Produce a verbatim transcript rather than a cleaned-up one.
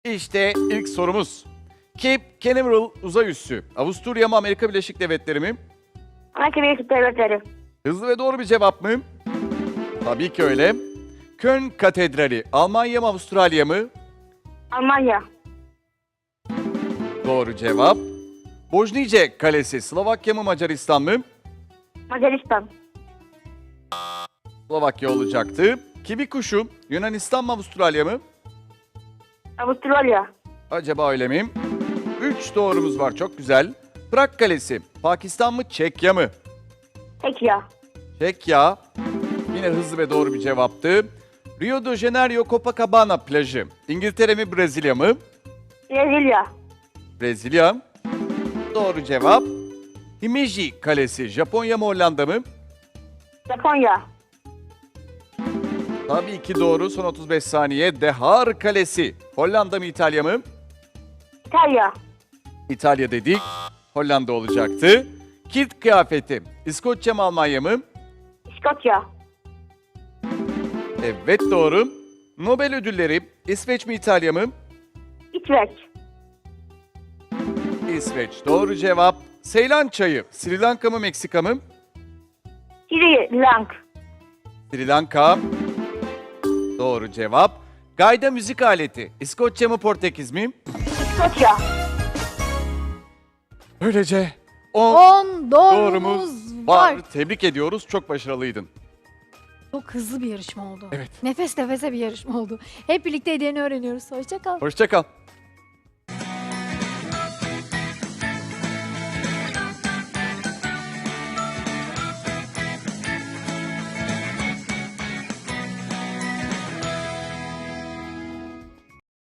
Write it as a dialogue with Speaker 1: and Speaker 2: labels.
Speaker 1: İşte ilk sorumuz. Cape Canaveral uzay üssü. Avusturya mı Amerika Birleşik Devletleri mi?
Speaker 2: Amerika Birleşik Devletleri.
Speaker 1: Hızlı ve doğru bir cevap mı? Tabii ki öyle. Köln Katedrali Almanya mı Avustralya mı?
Speaker 2: Almanya.
Speaker 1: Doğru cevap. Bojnice Kalesi Slovakya mı Macaristan mı?
Speaker 2: Macaristan.
Speaker 1: Slovakya olacaktı. Kibi kuşu Yunanistan mı Avustralya mı?
Speaker 2: Avustralya.
Speaker 1: Acaba öyle mi? Üç doğrumuz var, çok güzel. Prag Kalesi Pakistan mı Çekya mı?
Speaker 2: Çekya.
Speaker 1: Çekya. Yine hızlı ve doğru bir cevaptı. Rio de Janeiro Copacabana plajı İngiltere mi Brezilya mı?
Speaker 2: Brezilya.
Speaker 1: Brezilya. Doğru cevap. Himeji Kalesi Japonya mı Hollanda mı?
Speaker 2: Japonya.
Speaker 1: Tabii ki doğru. Son otuz beş saniye. Dehar Kalesi Hollanda mı İtalya mı?
Speaker 2: İtalya.
Speaker 1: İtalya dedik. Hollanda olacaktı. Kilt kıyafeti İskoçya mı Almanya mı?
Speaker 2: İskoçya.
Speaker 1: Evet doğru. Nobel ödülleri İsveç mi İtalya mı?
Speaker 2: İsveç.
Speaker 1: İsveç doğru cevap. Seylan çayı Sri Lanka mı Meksika mı?
Speaker 2: Sri Lanka.
Speaker 1: Sri Lanka. Doğru cevap. Gayda müzik aleti İskoçya mı Portekiz mi?
Speaker 2: İskoçya.
Speaker 1: Böylece on
Speaker 3: on
Speaker 1: doğrumuz
Speaker 3: doğrumuz
Speaker 1: var.
Speaker 3: var.
Speaker 1: Tebrik ediyoruz. Çok başarılıydın.
Speaker 3: Çok hızlı bir yarışma oldu.
Speaker 1: Evet.
Speaker 3: Nefes nefese bir yarışma oldu. Hep birlikte hediyeni öğreniyoruz. Hoşça kal.
Speaker 1: Hoşça kal.